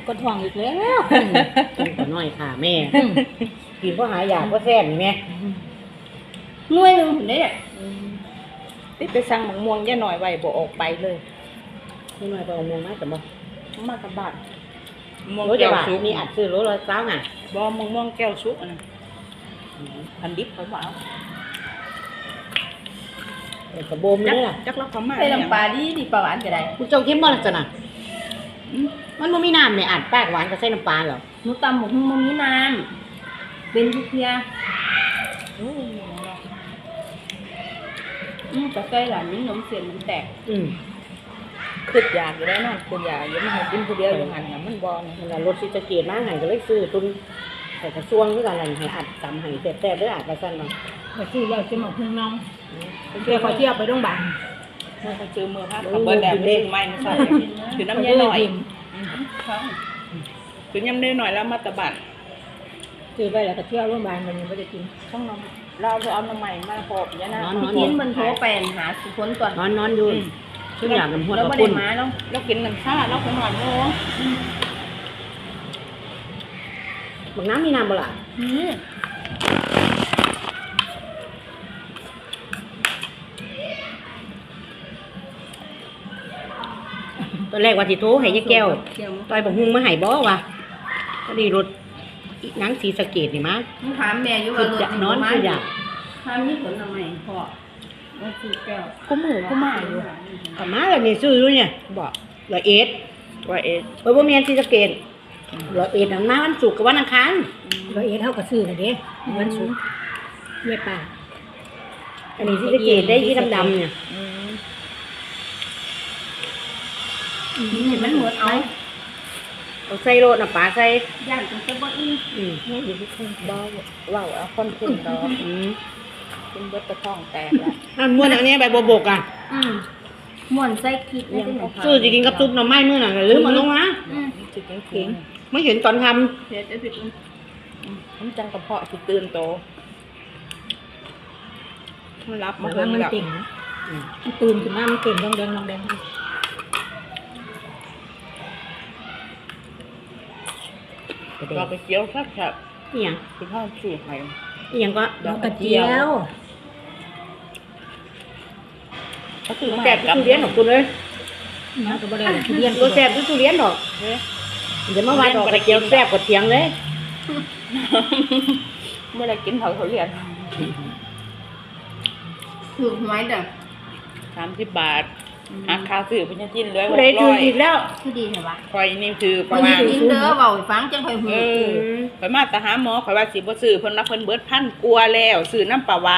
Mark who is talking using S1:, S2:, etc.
S1: ก็ท้องอีกแล้ว
S2: กินก็น้อยค่ะแม่กินเพราะหายาเพราะแซ่บนี่แม่
S1: หน่วยหนึงเด้เนี่ย
S3: ติดไปสั่งหมักม่วงย่าหน่อยไว้บ่ออกไปเลย
S2: นี่น้อยก็เอามงมาแต่บ่
S3: มากับบ้านม่วง
S2: โลจะ
S3: แก้ว
S2: บาท
S3: สุก
S2: นี่อัดซื้อโลละ20น่ะ
S3: บ่มะม่วงแก้วสุกอันนั้นอันดิบเขาบ่เอา
S2: กระโบมนี่ล่ะ
S3: จักเราเขามา
S1: ใส่น้ำปลาดีปลาหวานก็ได้
S2: คุณเจ้าเข้มบ่ล่ะจ้ะน่ะมันบ่มีน้ำแม่อัดปากหวานก็ใส่น้ำปลาเหรอ
S1: หนูตำหมกหุ่งบ่มีน้ำเป็นทุกเที่ยแต่ใส่หลานนิ้นนมเสียนมันแตก
S3: คืออยากอยู่ได้นอนคืออยากอยู่ไม่ให้กินผู้เดียวอยู่หันน่ะมันบ่นะ
S2: มันว่ารถสิจะเกียรมาให้ก็เลยซื้อตุนใส่กระซวงคือกันนั่นให้อัดตำให้แซ่บๆเด้ออัดว่าซั่นเนาะ
S1: ก็ซื้อแล้วจะหมกหุ่งน้องเพื่อขอเที่ยวไปโรงพยาบาล
S3: เมื่อเขาซื้อมือพักเขาเบิดแล้วไม่ซื้อใหม่ไม่ใช่คือน้ำยาหน่อยคือน้ำยาหน่อยแล้วมาตะบัด
S1: ซื้อไปแล้วก็เที่ยวโรงพยาบาลมันยังไม่ได้กิน
S3: ช่องน้ำเราจะเอาน้ำใหม่มาพบยานะ
S1: พี่กินมันโทรไปหาสุพลก่อน
S2: นอนอยู่ทุกอย่างมันหด
S1: แล้ว
S2: กับ
S1: ไม่
S2: คุ
S1: ได้
S2: ณ
S1: มาแล้ว
S3: เรากินน้ำชาเราไปหน่อยโน้
S2: บักน้ำมีน้ำบ่ล่ะตอนแรกว่าสิโทรให้ยายแก้วต่อยบักฮุงมาให้บ่วะก็ดีรถอีหนังสีสะเกดนี่มา
S1: ถามแม่อยู่
S2: คื
S1: ว่า
S2: อ
S1: รถ
S2: อยากนอนคืออยาก
S1: ถามนี่ผลทำไมพ่อว่าซื้อแก้ว
S3: กูมือกูมาอยู่
S2: กลับมาแล้วนี่ซื้ออยู่เนี่ยบอกร้อยเอ็ด
S3: ว่าเอ๊ะ
S2: บ่แม่นสีสะเกดร้อยเอ็ดนั่นมาวันศุกร์กับวันอังคาร
S1: ร้อยเอ็ดเท่ากับซื้อเลยเด้มันสูงเยี่ยป่า
S2: อันนี้สีสะเกดได้ยี่ดำๆเนี่ย
S1: นี่มันหมดเอา
S2: เอาใส่โรดน่ะปลาใส่
S1: ย่างจนจะบ่อิ่ม
S3: นี่อยู่ที่คุณบ้าว่าเอาคนขึ้นดอกคุณเบิดกระท่องแตกแล้ว
S2: อันม้วนอันนี้ใบบัวบกอ่ะ
S1: ม่วนใส่คิดยัง
S2: ซื้อสิกินกับซุปหน่อไม้มื้อน่ะลืมเอาลงมา
S3: จิตเก่ง
S2: ไม่เห็นตอนท
S1: เสียจะผิด
S3: ผมจังกระเพาะที่ตื่นโตมันรับ
S1: มั
S3: มาน เพิ่ม
S1: มัน
S3: แล้ว
S1: เก่งมันตื่นขึ้นมามันเก่งดองแดงดองแดง
S2: ำ
S3: เราไปเกี่ยวแซ่บ
S2: นี่หยัง
S3: ๆคุณพ่อสูตรใหม่
S2: นี่หยังก็
S1: ดอกกระเจียว
S3: ก็คือ
S2: แซ่บทุเรียนดอกคุณเลย
S1: นะก็บ่ได้ทุเรียน
S2: บ่แซ่บทุเรียนดอกเดี๋ยวมาว่าดอกกระเจียวแซ่บกว่าเถียงเลย
S3: เมื่อไรกินเขาเรียน
S1: ถือหวยเด้อ
S3: 30 บาทหักค่าซื้อเพิ่นจะกินเลย
S2: ผู้ใดถืออีกแล้ว
S1: คือดีเหรอวะ
S3: คอยนี่คือป
S1: มั
S3: ระ
S1: น
S3: มาณ
S1: กินเด้อเว้าให้ฟังจังค่อยหู
S3: ข่อยมาแต่หาหมอข่อยว่าสิบ่ซื้อเพิ่นว่าเพิ่นเบิด1,000กว่าแล้วซื้อน้ำปลาหวาน